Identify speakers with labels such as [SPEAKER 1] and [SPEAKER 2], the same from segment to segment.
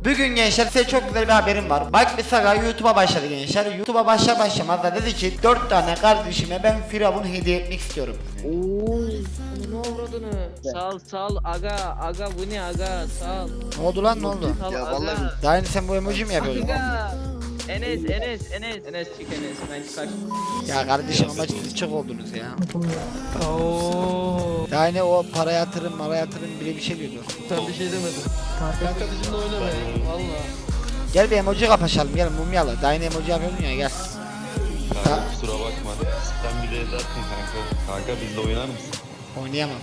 [SPEAKER 1] Bugün gençler size çok güzel bir haberim var. Bak bir Saga YouTube'a başladı gençler. YouTube'a başlamaz da dedi ki 4 tane kardeşime ben Firavun hediye etmek istiyorum.
[SPEAKER 2] Ooo ne avradını? Sal aga bu ne aga sal.
[SPEAKER 1] Ne oldu lan, ne oldu?
[SPEAKER 2] Sal
[SPEAKER 3] Ya
[SPEAKER 2] aga.
[SPEAKER 3] vallahi
[SPEAKER 1] Daha yeni sen bu emoji mi yapıyordun?
[SPEAKER 2] Aga. Enes çık Enes ben kaçtım.
[SPEAKER 1] Ya kardeşim ama siz çok oldunuz ya.
[SPEAKER 2] Ooo.
[SPEAKER 1] Daha yeni o para yatırım bile bir şey diyordu.
[SPEAKER 2] Sen bir şey demedin. Kanka bizimle oynamayın valla.
[SPEAKER 1] Gel bir emoji kapışalım, gel mumyalı. Daha yeni emoji yapıyordun ya, gel.
[SPEAKER 3] kanka kusura bakma. Sen bir de edersin kanka. Kanka bizle oynar mısın?
[SPEAKER 1] Oynayamam.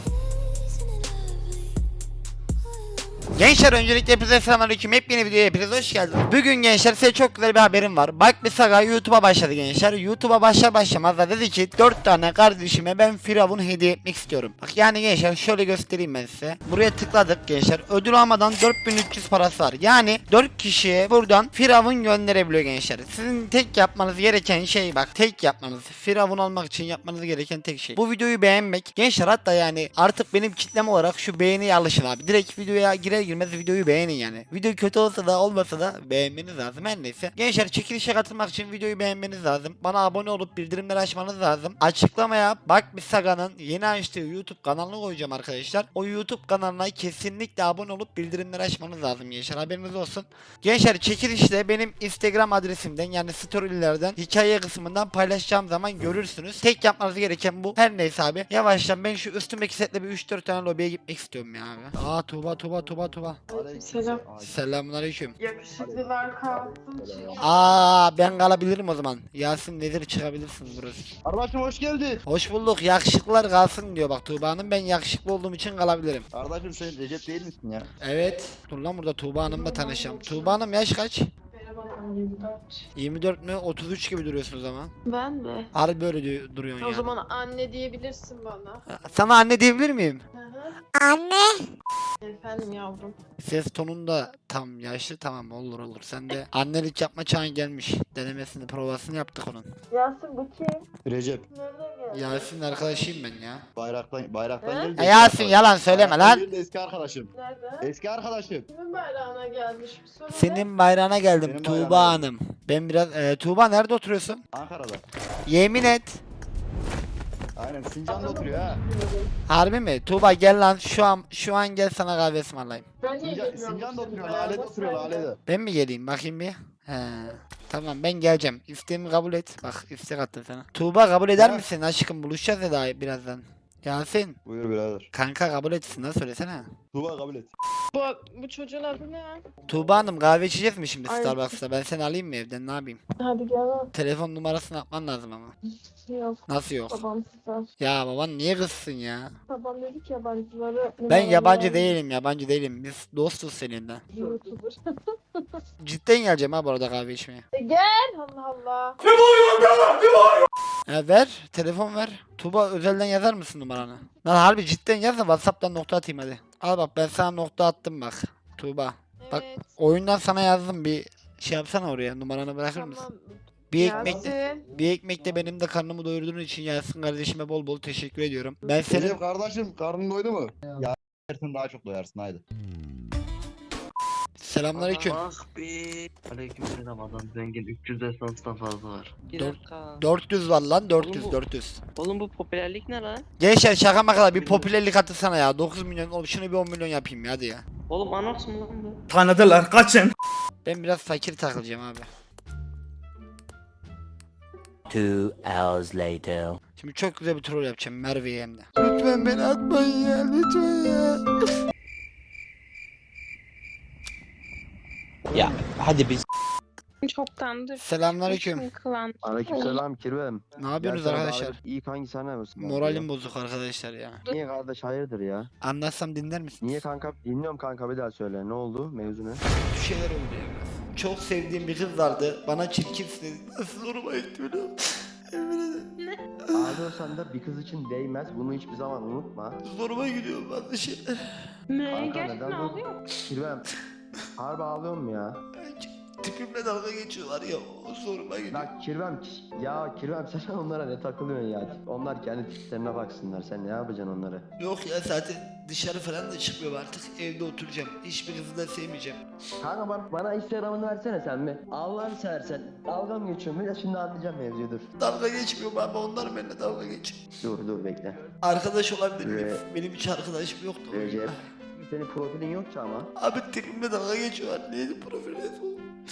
[SPEAKER 1] Gençler öncelikle hepinize selamünaleyküm. Hepyeni videoya hepiniz hoş geldiniz. Bugün gençler size çok güzel bir haberim var. Bak bir Saga YouTube'a başladı gençler. YouTube'a başlamaz da dedi ki 4 tane kardeşime ben Firavun hediye etmek istiyorum. Bak yani gençler şöyle göstereyim ben size. Buraya tıkladık gençler. Ödül almadan 4300 parası var. Yani 4 kişiye buradan Firavun gönderebiliyor gençler. Sizin tek yapmanız gereken şey, bak tek yapmanız, Firavun olmak için yapmanız gereken tek şey. Bu videoyu beğenmek. Gençler hatta yani artık benim kitlem olarak şu beğeniye alışın abi. Direkt videoya girer girmez videoyu beğenin yani. Video kötü olsa da olmasa da beğenmeniz lazım, her neyse. Gençler çekilişe katılmak için videoyu beğenmeniz lazım. Bana abone olup bildirimleri açmanız lazım. Açıklamaya Bak Bir Saga'nın yeni açtığı YouTube kanalını koyacağım arkadaşlar. O YouTube kanalına kesinlikle abone olup bildirimleri açmanız lazım gençler, haberiniz olsun. Gençler çekilişte benim Instagram adresimden yani storylerden hikaye kısmından paylaşacağım zaman görürsünüz. Tek yapmanız gereken bu. Her neyse abi. Yavaştan ben şu üstümdeki setle bir 3-4 tane lobiye gitmek istiyorum ya abi. Aa Tuğba.
[SPEAKER 4] Selam.
[SPEAKER 1] Selamünaleyküm.
[SPEAKER 4] Yakışıklılar kalsın çünkü.
[SPEAKER 1] Aa ben kalabilirim o zaman. Yasin nedir, çıkabilirsiniz burası.
[SPEAKER 3] Kardeşim hoş geldin.
[SPEAKER 1] Hoş bulduk. Yakışıklılar kalsın diyor bak Tuğba Hanım. Ben yakışıklı olduğum için kalabilirim.
[SPEAKER 3] Kardeşim sen Recep değil misin ya?
[SPEAKER 1] Evet. Dur lan, burada Tuğba Hanım'la tanışacağım. Tuğba Hanım yaş kaç?
[SPEAKER 4] Merhaba, 24.
[SPEAKER 1] 24 mü? 33 gibi duruyorsunuz ama.
[SPEAKER 4] Ben mi?
[SPEAKER 1] Harbi böyle duruyorsun
[SPEAKER 4] O
[SPEAKER 1] yani.
[SPEAKER 4] zaman anne diyebilirsin bana.
[SPEAKER 1] Sana anne diyebilir miyim?
[SPEAKER 4] Hı hı.
[SPEAKER 1] Anne.
[SPEAKER 4] Efendim yavrum.
[SPEAKER 1] Ses tonun da tam yaşlı, tamam olur. Sen de annelik yapma çağın gelmiş. Denemesini, provasını yaptık onun.
[SPEAKER 4] Yasin bu kim?
[SPEAKER 3] Recep.
[SPEAKER 4] Nereden geldi?
[SPEAKER 1] Yasin arkadaşıyım ben ya.
[SPEAKER 3] Bayraktan geldi.
[SPEAKER 1] Ya Yasin yalan söyleme lan.
[SPEAKER 3] Eski arkadaşım.
[SPEAKER 4] Nerede?
[SPEAKER 3] Eski arkadaşım.
[SPEAKER 4] Kimin bayrağına gelmiş bir soru ne?
[SPEAKER 1] Senin bayrağına geldim
[SPEAKER 3] Benim
[SPEAKER 1] Tuğba
[SPEAKER 3] bayrağıma
[SPEAKER 1] Hanım. Ben biraz Tuğba nerede oturuyorsun?
[SPEAKER 3] Ankara'da.
[SPEAKER 1] Yemin et.
[SPEAKER 3] Aynen Sincan'da oturuyor ha.
[SPEAKER 1] Harbi mi? Tuğba gel lan, şu an gel sana kahve ısmarlayayım.
[SPEAKER 4] Ben niye
[SPEAKER 3] Sincan'da
[SPEAKER 4] geliyorum
[SPEAKER 3] oturuyor.
[SPEAKER 4] senin
[SPEAKER 3] Lale'de
[SPEAKER 4] bayrağına?
[SPEAKER 3] oturuyor Lale'de.
[SPEAKER 1] Ben mi geleyim bakayım bir? He. Tamam ben geleceğim. İsteğimi kabul et. Bak istek attım sana. Tuğba kabul eder
[SPEAKER 3] Ha.
[SPEAKER 1] misin aşkım? Buluşacağız ya daha birazdan. Yasin.
[SPEAKER 3] Buyur birader.
[SPEAKER 1] Kanka kabul etsin lan, söylesene.
[SPEAKER 3] Tuğba kabul et.
[SPEAKER 4] Bu çocuğun adı ne?
[SPEAKER 1] Tuğba Hanım kahve içeceğiz mi şimdi
[SPEAKER 4] Ay.
[SPEAKER 1] Starbucks'ta? Ben seni alayım mı evden, ne yapayım?
[SPEAKER 4] Hadi gel.
[SPEAKER 1] Telefon numarasını atman lazım ama.
[SPEAKER 4] Yok.
[SPEAKER 1] Nasıl yok?
[SPEAKER 4] Babam sizden.
[SPEAKER 1] Ya baban niye kızsın ya?
[SPEAKER 4] Babam dedi ki yabancıları...
[SPEAKER 1] Ben yabancı değilim. Biz dostuz seninle.
[SPEAKER 4] YouTuber.
[SPEAKER 1] Cidden geleceğim ha bu arada kahve içmeye.
[SPEAKER 4] Gel Allah Allah.
[SPEAKER 1] Ver. Telefon ver. Tuğba özelden yazar mısın numaranı? Lan harbi cidden yaz da WhatsApp'tan nokta atayım hadi. Al bak ben sana nokta attım bak. Tuğba. Bak
[SPEAKER 4] Evet.
[SPEAKER 1] oyundan sana yazdım, bir şey yapsana oraya, numaranı bırakır mısın?
[SPEAKER 4] Tamam.
[SPEAKER 1] Bir ekmek
[SPEAKER 4] Yasin.
[SPEAKER 1] bir ekmekle benim de karnımı doyurduğun için Yasin kardeşime bol bol teşekkür ediyorum. Ben senin
[SPEAKER 3] Recep kardeşim karnın doydu mu? Ya yersin daha çok doyarsın haydi.
[SPEAKER 1] selamünaleyküm.
[SPEAKER 5] Ah be. Aleykümselam, adam zengin, 300 esanstan fazla var.
[SPEAKER 2] Bir
[SPEAKER 1] Dört-
[SPEAKER 2] dakika.
[SPEAKER 1] 400 var lan, 400
[SPEAKER 2] Oğlum bu-
[SPEAKER 1] 400.
[SPEAKER 2] Oğlum bu popülerlik ne lan?
[SPEAKER 1] Gençler şaka makala bir popülerlik atırsana ya. 9 milyon oğlum, şunu bir 10 milyon yapayım ya hadi ya.
[SPEAKER 2] Oğlum Anox mu lan bu?
[SPEAKER 6] Tanıdılar, kaçın.
[SPEAKER 1] Ben biraz fakir takılacağım abi.
[SPEAKER 7] 2 hours later.
[SPEAKER 1] Şimdi çok güzel bir troll yapacağım Merve'ye hem de. Lütfen beni atmayın ya, lütfen ya.
[SPEAKER 8] Çoktandır.
[SPEAKER 1] Selamünaleyküm.
[SPEAKER 8] Kılan.
[SPEAKER 9] Aleykümselam Kirvem.
[SPEAKER 1] Ne yapıyorsunuz
[SPEAKER 9] Gelsene
[SPEAKER 1] arkadaşlar?
[SPEAKER 9] bari İyi kanki sen ne yapıyorsun?
[SPEAKER 1] Moralim bozuk arkadaşlar ya.
[SPEAKER 9] Niye kardeş hayırdır ya?
[SPEAKER 1] Anlatsam dinler misiniz?
[SPEAKER 9] Niye kanka? Dinliyorum kanka, bir daha söyle. Ne oldu? Mevzu ne?
[SPEAKER 1] Bir şeyler oldu ya biraz. Çok sevdiğim bir kız vardı. Bana çirkinsin dedi. Nasıl zoruma gitti biliyor musun? Emin ederim.
[SPEAKER 9] Ağlıyorsan da bir kız için değmez. Bunu hiçbir zaman unutma.
[SPEAKER 1] Zoruma gidiyor bazı şeyler.
[SPEAKER 8] Ne?
[SPEAKER 9] Kanka
[SPEAKER 8] Gerçekten
[SPEAKER 9] neden bu?
[SPEAKER 8] ağlıyor.
[SPEAKER 9] Kirvem. Harbi ağlıyor mu ya?
[SPEAKER 1] Tipimle dalga geçiyorlar ya. O zoruma gidiyor.
[SPEAKER 9] Ya Kirvem, ya Kirvem sen onlara ne takılıyorsun ya? Onlar kendi tiplerine baksınlar. Sen ne yapacaksın onlara?
[SPEAKER 1] Yok ya zaten dışarı falan da çıkmıyorum artık. Evde oturacağım. Hiçbir kızı da sevmeyeceğim.
[SPEAKER 9] Kanka bana Instagram'ını versene sen bir. Allah'ını seversen. Dalga mı geçiyorsun? Ya şimdi anlayacağım mevzuyu dur.
[SPEAKER 1] Dalga geçmiyorum abi. Onlar benimle dalga geçiyor.
[SPEAKER 9] Dur bekle.
[SPEAKER 1] Arkadaş olabilir miyim? Benim hiç arkadaşım yoktu.
[SPEAKER 9] Recep. Senin profilin yok ki ama.
[SPEAKER 1] Abi tipimle dalga geçiyorlar. Neydi profil resmi?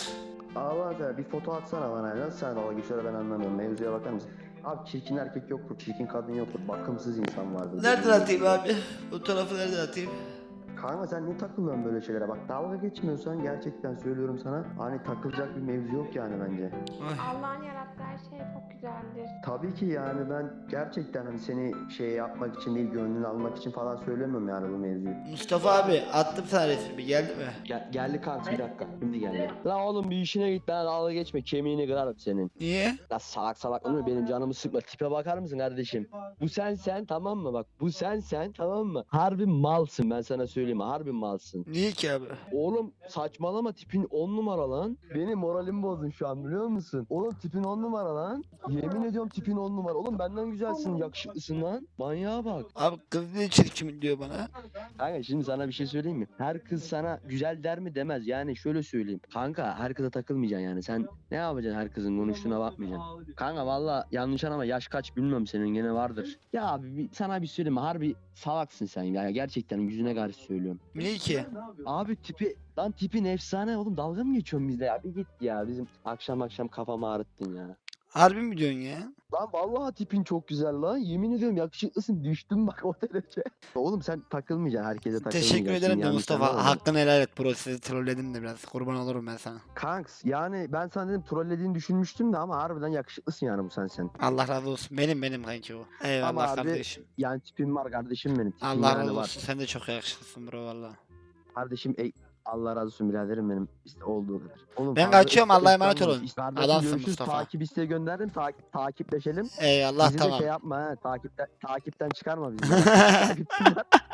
[SPEAKER 9] Allah da bir foto atsana bana. Nasıl sen dalga geçiyor ben anlamıyorum. Mevzuya bakar mısın? Abi çirkin erkek yoktur, çirkin kadın yoktur. Bakımsız insan vardır.
[SPEAKER 1] Nereden atayım abi? O tarafı nereden atayım?
[SPEAKER 9] Kanka sen niye takılıyorsun böyle şeylere? Bak dalga geçmiyorsan gerçekten söylüyorum sana. Hani takılacak bir mevzu yok yani bence.
[SPEAKER 1] Ay.
[SPEAKER 4] Allah'ın yarattığı her şey çok güzeldir.
[SPEAKER 9] Tabii ki yani ben gerçekten hani seni şey yapmak için değil, gönlünü almak için falan söylemiyorum yani bu mevzuyu.
[SPEAKER 1] Mustafa abi attım sana resmi. Geldi mi?
[SPEAKER 9] Geldi kanka bir dakika. Şimdi geldi. La oğlum bir işine git, ben dalga geçme, kemiğini kırarım senin.
[SPEAKER 1] Niye?
[SPEAKER 9] La salak olur benim canımı sıkma, tipe bakar mısın kardeşim? Bu sen tamam mı, bak bu sen tamam mı? Harbi malsın, ben sana söyleyeyim, harbi malsın.
[SPEAKER 1] Niye ki abi?
[SPEAKER 9] Oğlum saçmalama, tipin 10 numara lan. Benim moralimi bozdun şu an biliyor musun? Oğlum tipin 10 numara lan. Yemin ediyorum tipin 10 numara. Oğlum benden güzelsin, yakışıklısın lan. Manyağa bak.
[SPEAKER 1] Abi kız ne çirkin diyor bana.
[SPEAKER 9] Kanka şimdi sana bir şey söyleyeyim mi? Her kız sana güzel der mi demez. Yani şöyle söyleyeyim. Kanka her kıza takılmayacaksın yani. Sen ne yapacaksın, her kızın konuştuğuna bakmayacaksın. Kanka valla yanlış anlama, yaş kaç bilmiyorum, senin gene vardır. Ya abi sana bir söyleyeyim mi? Harbi salaksın sen ya. Gerçekten yüzüne karşı söylüyorum.
[SPEAKER 1] Niye ki?
[SPEAKER 9] Abi tipin efsane oğlum, dalga mı geçiyorsun bizde ya? Bir git ya, bizim akşam kafamı ağrıttın ya.
[SPEAKER 1] Harbi mi diyorsun ya?
[SPEAKER 9] Lan vallahi tipin çok güzel lan. Yemin ediyorum yakışıklısın. Düştüm bak o derece. Oğlum sen takılmayacaksın. Herkese takılmayacaksın.
[SPEAKER 1] Teşekkür ederim de
[SPEAKER 9] yanlış
[SPEAKER 1] Mustafa.
[SPEAKER 9] anlama.
[SPEAKER 1] Hakkını helal et bro. Sizi trolledim de biraz. Kurban olurum ben sana.
[SPEAKER 9] Kanks yani ben sana dedim trollediğini düşünmüştüm de ama harbiden yakışıklısın yani bu sen.
[SPEAKER 1] Allah razı olsun. Benim kanki bu. Eyvallah
[SPEAKER 9] Ama abi,
[SPEAKER 1] kardeşim.
[SPEAKER 9] Yani tipin var kardeşim benim. Tipin
[SPEAKER 1] Allah
[SPEAKER 9] yani
[SPEAKER 1] razı
[SPEAKER 9] var.
[SPEAKER 1] olsun. Sen de çok yakışıklısın bro valla.
[SPEAKER 9] Kardeşim Allah razı olsun biraderim benim. İşte olduğu kadar. Oğlum,
[SPEAKER 1] Ben
[SPEAKER 9] fazla
[SPEAKER 1] kaçıyorum, Allah'a emanet
[SPEAKER 9] İstanbul-
[SPEAKER 1] olun.
[SPEAKER 9] Kardeşim,
[SPEAKER 1] Adamsın
[SPEAKER 9] görüşürüz.
[SPEAKER 1] Mustafa.
[SPEAKER 9] Takip isteği gönderdim. Takipleşelim.
[SPEAKER 1] Eyvallah
[SPEAKER 9] Bizi de
[SPEAKER 1] tamam.
[SPEAKER 9] şey yapma ha. Takipten çıkarma bizi. Takipten-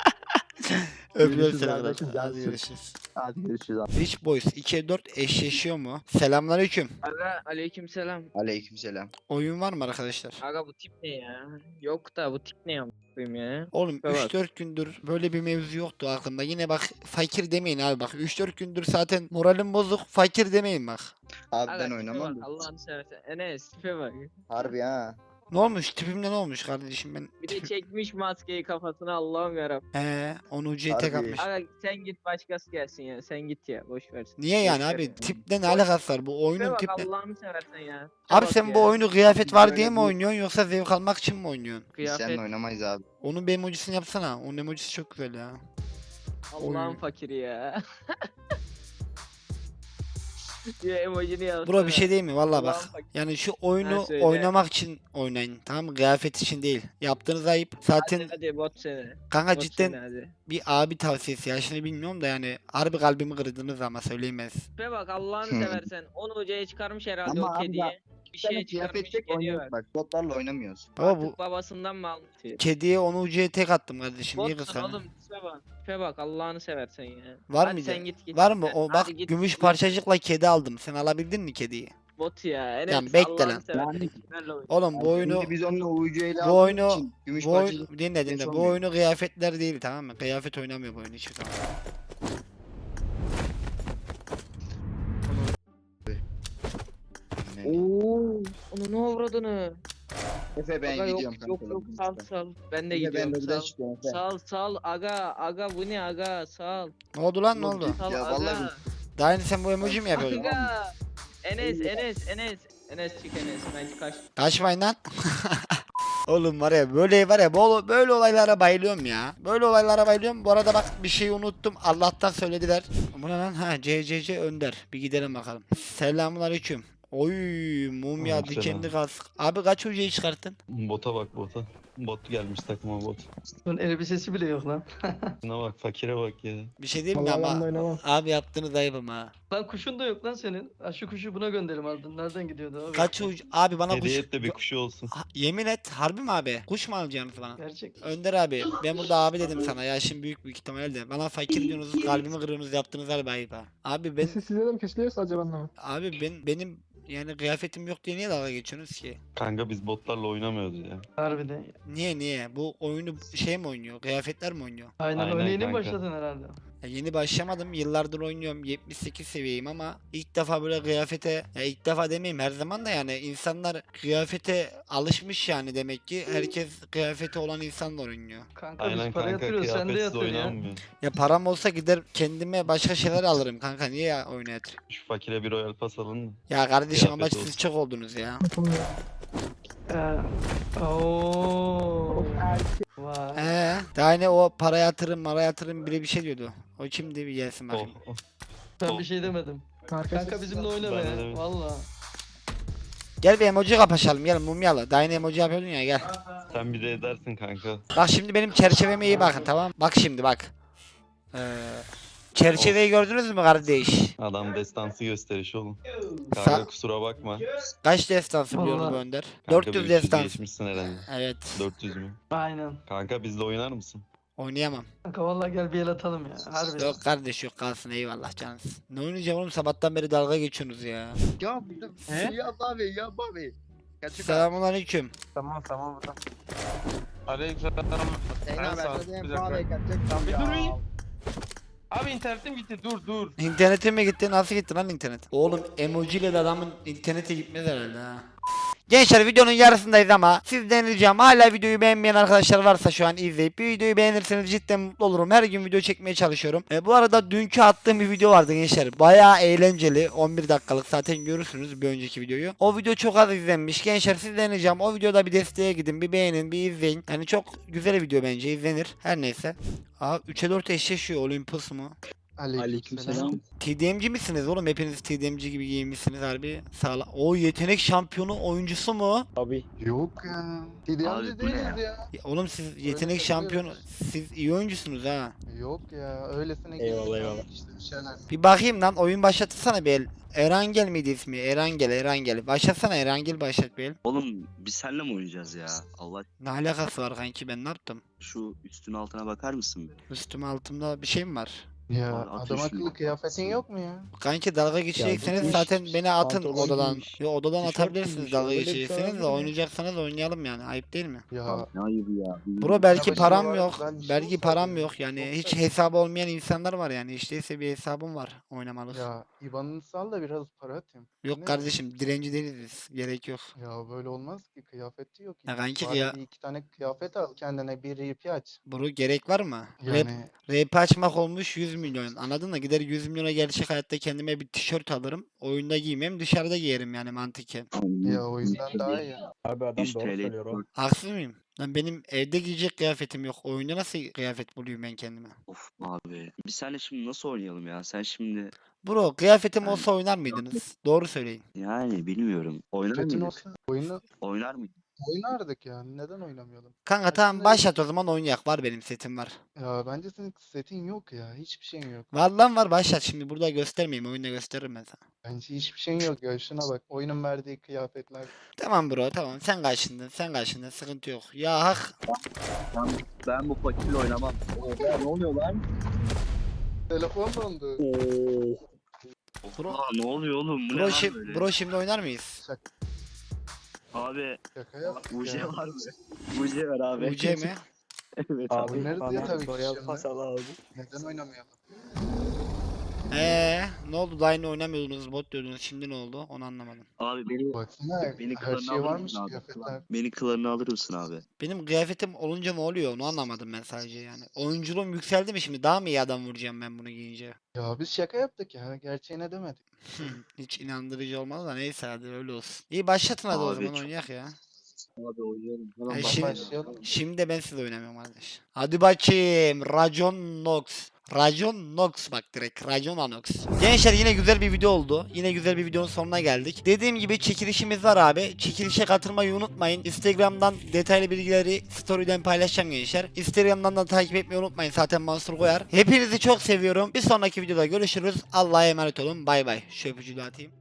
[SPEAKER 1] Öpüyorum
[SPEAKER 9] Görüşürüz
[SPEAKER 1] seni.
[SPEAKER 9] kardeşim,
[SPEAKER 1] Hadi
[SPEAKER 9] cansın.
[SPEAKER 1] görüşürüz.
[SPEAKER 9] Hadi görüşürüz abi.
[SPEAKER 1] Rich Boys 2'ye 4 eşleşiyor mu? Selamünaleyküm.
[SPEAKER 2] Aga aleykümselam.
[SPEAKER 3] Aleykümselam.
[SPEAKER 1] Oyun var mı arkadaşlar?
[SPEAKER 2] Aga bu tip ne ya? Yok da bu tip ne yapayım ya?
[SPEAKER 1] Oğlum
[SPEAKER 2] Evet.
[SPEAKER 1] 3-4 gündür böyle bir mevzu yoktu aklımda. Yine bak fakir demeyin abi bak. 3-4 gündür zaten moralim bozuk. Fakir demeyin bak.
[SPEAKER 3] Abi
[SPEAKER 2] Aga
[SPEAKER 3] ben
[SPEAKER 2] tipe
[SPEAKER 3] oynamam.
[SPEAKER 2] bak Allah'ını seversen. Enes tipe bak.
[SPEAKER 3] Harbi ha.
[SPEAKER 1] Ne olmuş? Tipimde ne olmuş kardeşim ben?
[SPEAKER 2] Bir de çekmiş maskeyi kafasına Allah'ım yarabbim.
[SPEAKER 1] Onu ucuya tek
[SPEAKER 3] Harbi.
[SPEAKER 1] atmış.
[SPEAKER 2] Aga sen git başkası gelsin ya. Sen git ya boş versin.
[SPEAKER 1] Niye yani
[SPEAKER 2] Boş ver
[SPEAKER 1] abi?
[SPEAKER 2] ya.
[SPEAKER 1] Tiple ne
[SPEAKER 2] Boş-
[SPEAKER 1] alakası var? Bu
[SPEAKER 2] Tipe
[SPEAKER 1] oyunun
[SPEAKER 2] bak
[SPEAKER 1] tiple.
[SPEAKER 2] Allah'ını seversen ya. Tipe
[SPEAKER 1] Abi
[SPEAKER 2] bak
[SPEAKER 1] sen
[SPEAKER 2] ya.
[SPEAKER 1] bu oyunu kıyafet var
[SPEAKER 3] Böyle
[SPEAKER 1] diye mi
[SPEAKER 3] bu-
[SPEAKER 1] oynuyorsun yoksa zevk almak için mi oynuyorsun?
[SPEAKER 3] Biz
[SPEAKER 2] Kıyafet
[SPEAKER 3] seninle oynamayız abi.
[SPEAKER 1] Onun bir emojisini yapsana. Onun emojisi çok güzel ya.
[SPEAKER 2] Allah'ın
[SPEAKER 1] Oy.
[SPEAKER 2] fakiri ya. Diye emojini yazsana.
[SPEAKER 1] Bro bir şey değil mi? Valla bak.
[SPEAKER 2] Allah'ın fakiri.
[SPEAKER 1] Yani şu oyunu
[SPEAKER 2] söyle.
[SPEAKER 1] oynamak için oynayın. Tamam mı? Kıyafet için değil. Yaptığınız ayıp. Zaten
[SPEAKER 2] Hadi bot seni.
[SPEAKER 1] kanka
[SPEAKER 2] Bot
[SPEAKER 1] cidden
[SPEAKER 2] seni hadi.
[SPEAKER 1] bir abi tavsiyesi. Yaşını bilmiyorum da yani harbi kalbimi kırdınız ama söyleyemez.
[SPEAKER 2] Tipe bak Allah'ını
[SPEAKER 3] Hı.
[SPEAKER 2] seversen. Onu hocaya çıkarmış herhalde
[SPEAKER 3] Ama
[SPEAKER 2] o
[SPEAKER 3] abi
[SPEAKER 2] kediye. Bir
[SPEAKER 3] Sen
[SPEAKER 2] şey çıkarmış
[SPEAKER 3] kıyafet tek
[SPEAKER 2] kediye
[SPEAKER 3] oynuyoruz
[SPEAKER 2] ver.
[SPEAKER 3] bak. Botlarla oynamıyoruz.
[SPEAKER 1] Baba bu
[SPEAKER 2] Artık babasından mı almış?
[SPEAKER 1] kediye onu ucuya tek attım kardeşim. Niye
[SPEAKER 2] Botsun
[SPEAKER 1] kıskanıyorsun?
[SPEAKER 2] oğlum tipe bak. Tipe bak Allah'ını seversen ya.
[SPEAKER 1] Var
[SPEAKER 2] Hadi
[SPEAKER 1] mıydı?
[SPEAKER 2] sen git.
[SPEAKER 1] Var mı?
[SPEAKER 2] Sen-
[SPEAKER 1] O
[SPEAKER 2] hadi
[SPEAKER 1] bak
[SPEAKER 2] git,
[SPEAKER 1] gümüş
[SPEAKER 2] git.
[SPEAKER 1] parçacıkla kedi aldım. Sen alabildin mi kediyi?
[SPEAKER 2] Bot ya. Enes,
[SPEAKER 1] Yani bekle
[SPEAKER 2] Allah'ını
[SPEAKER 1] lan.
[SPEAKER 2] seversen
[SPEAKER 3] Yani-
[SPEAKER 2] kimlerle oynuyorsun?
[SPEAKER 1] Oğlum bu oyunu
[SPEAKER 3] Şimdi biz onunla uyucuyla
[SPEAKER 1] bu oyunu
[SPEAKER 3] gümüş
[SPEAKER 1] bu
[SPEAKER 3] parçacık.
[SPEAKER 1] oyun dinle
[SPEAKER 3] geç
[SPEAKER 1] bu
[SPEAKER 3] olmuyor.
[SPEAKER 1] oyunu kıyafetler değil tamam mı? Kıyafet oynamıyor bu oyun hiçbir zaman.
[SPEAKER 2] Oo, onu ne avradını?
[SPEAKER 3] Efe ben
[SPEAKER 2] Aga,
[SPEAKER 3] gidiyorum
[SPEAKER 2] yok
[SPEAKER 3] kanka.
[SPEAKER 2] yok sal sal. Ben de
[SPEAKER 3] Efe,
[SPEAKER 2] gidiyorum
[SPEAKER 3] ben de
[SPEAKER 2] sal.
[SPEAKER 3] çıkıyorum Efe.
[SPEAKER 2] Sal aga bu ne aga sal.
[SPEAKER 1] Ne oldu lan ne
[SPEAKER 3] Oğlum,
[SPEAKER 1] oldu?
[SPEAKER 2] Sal
[SPEAKER 3] Ya
[SPEAKER 2] aga.
[SPEAKER 3] vallahi
[SPEAKER 1] Daha yeni sen bu emoji mi yapıyordun?
[SPEAKER 2] Aga. Enes çık Enes ben kaç.
[SPEAKER 1] Kaçmayın lan. Oğlum var ya böyle olaylara bayılıyorum ya. Böyle olaylara bayılıyorum. Bu arada bak bir şeyi unuttum. Allah'tan söylediler. Bu ne lan? Ha CCC Önder. Bir gidelim bakalım. Selamünaleyküm. Oy mumya
[SPEAKER 3] Aleykümselam.
[SPEAKER 1] dikenli kask. Abi kaç hocayı çıkarttın?
[SPEAKER 3] Bota bak bota. Bot gelmiş takıma bot.
[SPEAKER 5] Bunun elbisesi bile yok lan.
[SPEAKER 3] Şuna bak fakire bak ya.
[SPEAKER 1] Bir şey diyeyim mi ama abi yaptığınız ayıbım ha.
[SPEAKER 5] Lan kuşun da yok lan senin. Ha, şu kuşu buna gönderim aldın. Nereden gidiyordu abi?
[SPEAKER 1] Kaç abi bana kuş
[SPEAKER 3] Hediye et de bir kuşu olsun.
[SPEAKER 1] yemin et harbi mi abi? Kuş mu alacaksınız bana?
[SPEAKER 5] Gerçek.
[SPEAKER 1] Önder abi ben burada abi dedim sana yaşım büyük ihtimalle. Bana fakir diyorsunuz kalbimi kırıyorsunuz yaptığınız harbi ayıp ha. Abi ben
[SPEAKER 6] Size de mi kesiliyor sadece benden mi?
[SPEAKER 1] abi benim yani kıyafetim yok diye niye dalga geçiyorsunuz ki?
[SPEAKER 3] Kanka biz botlarla oynamıyoruz ya.
[SPEAKER 5] Harbiden.
[SPEAKER 1] Niye? Bu oyunu şey mi oynuyor? Kıyafetler mi oynuyor?
[SPEAKER 3] Aynen
[SPEAKER 2] Öyle yeni
[SPEAKER 3] kanka.
[SPEAKER 2] başladın herhalde.
[SPEAKER 1] Ya yeni başlamadım. Yıllardır oynuyorum. 78 seviyeyim ama ilk defa böyle kıyafete, ya ilk defa demeyeyim her zaman da, yani insanlar kıyafete alışmış yani, demek ki herkes kıyafeti olan insanla oynuyor.
[SPEAKER 2] Kanka
[SPEAKER 3] Aynen
[SPEAKER 2] biz para
[SPEAKER 3] kanka,
[SPEAKER 2] yatırıyoruz sen de
[SPEAKER 3] kıyafetsiz
[SPEAKER 2] yatır ya.
[SPEAKER 3] oynanmıyor.
[SPEAKER 1] Ya param olsa gider kendime başka şeyler alırım kanka, niye ya oyuna yatırayım?
[SPEAKER 3] Şu fakire bir Royal Pass alın mı?
[SPEAKER 1] Ya kardeşim ama
[SPEAKER 3] Kıyafet
[SPEAKER 1] siz
[SPEAKER 3] olsun.
[SPEAKER 1] çok oldunuz ya.
[SPEAKER 2] Ooo. Vay.
[SPEAKER 1] Daha ne o para yatırım biri bir şey diyordu. O kimdi, bir gelsin
[SPEAKER 3] Oh,
[SPEAKER 1] bakayım.
[SPEAKER 3] oh.
[SPEAKER 2] Ben bir şey demedim. Kanka bizimle oyna
[SPEAKER 3] Ben de
[SPEAKER 2] be.
[SPEAKER 3] demedim.
[SPEAKER 2] Valla.
[SPEAKER 1] Gel bir emoji kapışalım, gel mumyalı. Daha yeni emoji yapıyordun ya, gel.
[SPEAKER 3] Sen bir de edersin kanka.
[SPEAKER 1] Bak şimdi benim çerçeveme iyi bakın, tamam. Bak şimdi bak. Çerçeveyi gördünüz mü kardeş?
[SPEAKER 3] Adam destansı gösteriş oğlum.
[SPEAKER 1] Sa-
[SPEAKER 3] Kanka kusura bakma.
[SPEAKER 1] Kaç destansı biliyor
[SPEAKER 2] Vallahi.
[SPEAKER 1] bu Önder?
[SPEAKER 3] Kanka
[SPEAKER 1] 400
[SPEAKER 3] bir
[SPEAKER 1] destans.
[SPEAKER 3] geçmişsin herhalde.
[SPEAKER 1] Evet.
[SPEAKER 3] 400 mü?
[SPEAKER 2] Aynen.
[SPEAKER 3] Kanka bizle oynar mısın?
[SPEAKER 1] Oynayamam.
[SPEAKER 2] Kanka valla gel bir el atalım ya. Harbi.
[SPEAKER 1] Yok kardeş, yok, kalsın, eyvallah canınız. Ne oynayacağım oğlum, sabahtan beri dalga geçiyorsunuz ya.
[SPEAKER 9] Ya
[SPEAKER 2] He?
[SPEAKER 9] ya abi ya abi.
[SPEAKER 1] Selamünaleyküm.
[SPEAKER 6] Tamam burada. Aleykümselam.
[SPEAKER 9] Sen
[SPEAKER 6] Ben
[SPEAKER 9] haber
[SPEAKER 6] sağ ol.
[SPEAKER 9] söyleyeyim
[SPEAKER 6] Bir dakika.
[SPEAKER 9] abi kaçacak.
[SPEAKER 6] Tamam bir durayım. Abi internetim gitti dur.
[SPEAKER 1] İnternetin mi gitti? Nasıl gitti lan internet? Oğlum emojiyle de adamın internete gitmez herhalde ha. Gençler videonun yarısındayız ama sizden ricam, hala videoyu beğenmeyen arkadaşlar varsa şu an izleyip bir videoyu beğenirseniz cidden mutlu olurum. Her gün video çekmeye çalışıyorum. Bu arada dünkü attığım bir video vardı gençler. Bayağı eğlenceli. 11 dakikalık, zaten görürsünüz bir önceki videoyu. O video çok az izlenmiş. Gençler sizden ricam, o videoda bir desteğe gidin, bir beğenin, bir izleyin. Yani çok güzel video, bence izlenir. Her neyse. Aa 3'e 4 eşleşiyor, Olympus mu?
[SPEAKER 9] Aleykümselam.
[SPEAKER 1] TDM'ci misiniz oğlum? Hepiniz TDM'ci gibi giyinmişsiniz harbi. Sağla. O yetenek şampiyonu oyuncusu mu?
[SPEAKER 8] Yok ya. TDM'ci değiliz ya.
[SPEAKER 1] Ya oğlum siz yetenek
[SPEAKER 8] Öyle
[SPEAKER 1] şampiyonu, siz iyi oyuncusunuz ha.
[SPEAKER 8] Yok ya. Öylesine
[SPEAKER 9] Eyvallah,
[SPEAKER 8] giydik
[SPEAKER 9] eyvallah.
[SPEAKER 8] işte bir şeyler.
[SPEAKER 1] Bir bakayım lan, oyun başlatırsana bir el. Erangel miydi ismi? Erangel. Başlatsana, Erangel başlat bir el.
[SPEAKER 10] Oğlum biz seninle mi oynayacağız ya? Allah,
[SPEAKER 1] Ne alakası var kanki, ben ne yaptım?
[SPEAKER 10] şu üstün altına bakar mısın bir?
[SPEAKER 1] Üstüm altımda bir şey mi var?
[SPEAKER 8] Ya
[SPEAKER 10] Abi, at
[SPEAKER 8] adam
[SPEAKER 10] şunu.
[SPEAKER 8] akıllı kıyafetin yok mu ya?
[SPEAKER 1] Kanki dalga geçecekseniz
[SPEAKER 9] gitmiş,
[SPEAKER 1] zaten beni atın
[SPEAKER 9] pantolon
[SPEAKER 1] odadan.
[SPEAKER 9] giymiş,
[SPEAKER 1] Yo, odadan
[SPEAKER 9] tişört
[SPEAKER 1] atabilirsiniz
[SPEAKER 9] giymiş,
[SPEAKER 1] dalga
[SPEAKER 9] öyle bir şey
[SPEAKER 1] geçecekseniz
[SPEAKER 9] olabilir
[SPEAKER 1] de,
[SPEAKER 9] mi?
[SPEAKER 1] oynayacaksanız oynayalım yani, ayıp değil mi?
[SPEAKER 8] Ya
[SPEAKER 10] Ne ayıbı ya.
[SPEAKER 1] Bro belki
[SPEAKER 8] Ya
[SPEAKER 1] param
[SPEAKER 8] başına
[SPEAKER 1] yok.
[SPEAKER 8] var, ben bir şey
[SPEAKER 1] Belki
[SPEAKER 8] olsaydı
[SPEAKER 1] param
[SPEAKER 8] ya,
[SPEAKER 1] yok. Yani
[SPEAKER 8] olsaydı.
[SPEAKER 1] hiç hesabı olmayan insanlar var yani. Hiç değilse bir hesabım var oynamalık.
[SPEAKER 8] ya IBAN'ını sal da biraz para atayım.
[SPEAKER 1] Yok
[SPEAKER 8] Ne?
[SPEAKER 1] kardeşim, direnci değiliz biz. Gerek yok.
[SPEAKER 8] Ya böyle olmaz ki, kıyafeti yok.
[SPEAKER 1] Ya kanki
[SPEAKER 8] Bari
[SPEAKER 1] ya,
[SPEAKER 8] bir iki tane kıyafet al kendine, bir RP aç.
[SPEAKER 1] bro gerek var mı?
[SPEAKER 8] Yani
[SPEAKER 1] Rap açmak olmuş 100 milyon. Anladın mı? Gider 100 milyona gerçek hayatta kendime bir tişört alırım. Oyunda giymem, dışarıda giyerim yani mantıken.
[SPEAKER 8] ya o yüzden daha iyi.
[SPEAKER 6] Abi adam
[SPEAKER 10] 100
[SPEAKER 6] doğru
[SPEAKER 10] TL.
[SPEAKER 6] söylüyor o.
[SPEAKER 1] Haksız mıyım? Lan benim evde giyecek kıyafetim yok. Oyunda nasıl kıyafet buluyorum ben kendime?
[SPEAKER 10] Of abi. Biz seninle şimdi nasıl oynayalım ya? Sen şimdi
[SPEAKER 1] Bro kıyafetim olsa oynar mıydınız? Doğru söyleyin.
[SPEAKER 10] yani bilmiyorum. Oynar
[SPEAKER 8] Setin
[SPEAKER 10] mıydık?
[SPEAKER 8] olsa oyunu
[SPEAKER 10] Oynar mıydık?
[SPEAKER 8] oynardık yani. Neden oynamayalım?
[SPEAKER 1] Kanka tamam,
[SPEAKER 8] Aslında-
[SPEAKER 1] başlat o zaman, oynayak. Var benim setim var.
[SPEAKER 8] Ya bence senin setin yok ya. Hiçbir şeyin yok.
[SPEAKER 1] Var lan var, başlat, şimdi burada göstermeyeyim, oyunda gösteririm ben sana.
[SPEAKER 8] Bence hiçbir şeyin yok ya. Şuna bak. Oyunun verdiği kıyafetler.
[SPEAKER 1] Tamam bro, tamam, sen kaçındın, sıkıntı yok. Ya hak.
[SPEAKER 10] Ben bu fakirle oynamam. Oha, ne oluyor lan?
[SPEAKER 8] Telefon dondu.
[SPEAKER 1] Bro-
[SPEAKER 10] Oha, ne oluyor oğlum? Bu ne
[SPEAKER 1] Bro,
[SPEAKER 10] lan
[SPEAKER 1] şi-
[SPEAKER 10] böyle?
[SPEAKER 1] bro şimdi oynar mıyız?
[SPEAKER 10] Abi
[SPEAKER 8] Şaka yaptık
[SPEAKER 10] UC
[SPEAKER 8] ya.
[SPEAKER 10] var mı? UC var abi.
[SPEAKER 1] UC mi?
[SPEAKER 10] Evet
[SPEAKER 6] Abi
[SPEAKER 8] Oynarız ya
[SPEAKER 6] bana
[SPEAKER 8] tabii ki
[SPEAKER 6] Royal
[SPEAKER 8] şimdi.
[SPEAKER 6] Pass al abi.
[SPEAKER 8] Neden oynamayalım?
[SPEAKER 1] Ne oldu, daha yine oynamıyordunuz, bot diyordunuz, şimdi ne oldu onu anlamadım.
[SPEAKER 10] Abi beni
[SPEAKER 8] Baksana
[SPEAKER 10] Beni
[SPEAKER 8] her
[SPEAKER 10] klanına
[SPEAKER 8] şey
[SPEAKER 10] alır
[SPEAKER 8] varmış
[SPEAKER 10] mısın abi?
[SPEAKER 8] kıyafetler.
[SPEAKER 10] Beni klanına alır mısın abi?
[SPEAKER 1] Benim kıyafetim olunca ne oluyor onu anlamadım ben sadece yani. Oyunculuğum yükseldi mi şimdi, daha mı iyi adam vuracağım ben bunu giyince?
[SPEAKER 8] Ya biz şaka yaptık ya. Gerçeğine demedik.
[SPEAKER 1] Hiç inandırıcı olmadı da, neyse hadi öyle olsun. İyi başlatın hadi o
[SPEAKER 10] Abi
[SPEAKER 1] zaman,
[SPEAKER 10] çok-
[SPEAKER 1] oynayak ya.
[SPEAKER 10] Abi oynayalım.
[SPEAKER 1] Ha,
[SPEAKER 10] Hemen
[SPEAKER 1] şimdi-
[SPEAKER 8] Başlayalım.
[SPEAKER 1] Şimdi de ben siz oynamıyorum kardeş. Hadi bakayım. Racon Nox. Racon Nox, bak direkt Racon Anox. Gençler yine güzel bir video oldu. Yine güzel bir videonun sonuna geldik. Dediğim gibi çekilişimiz var abi. Çekilişe katılmayı unutmayın. Instagram'dan detaylı bilgileri story'den paylaşacağım gençler. Instagram'dan da takip etmeyi unutmayın. Zaten Mansur koyar. Hepinizi çok seviyorum. Bir sonraki videoda görüşürüz. Allah'a emanet olun. Bay bay. Şu öpücüğü de atayım.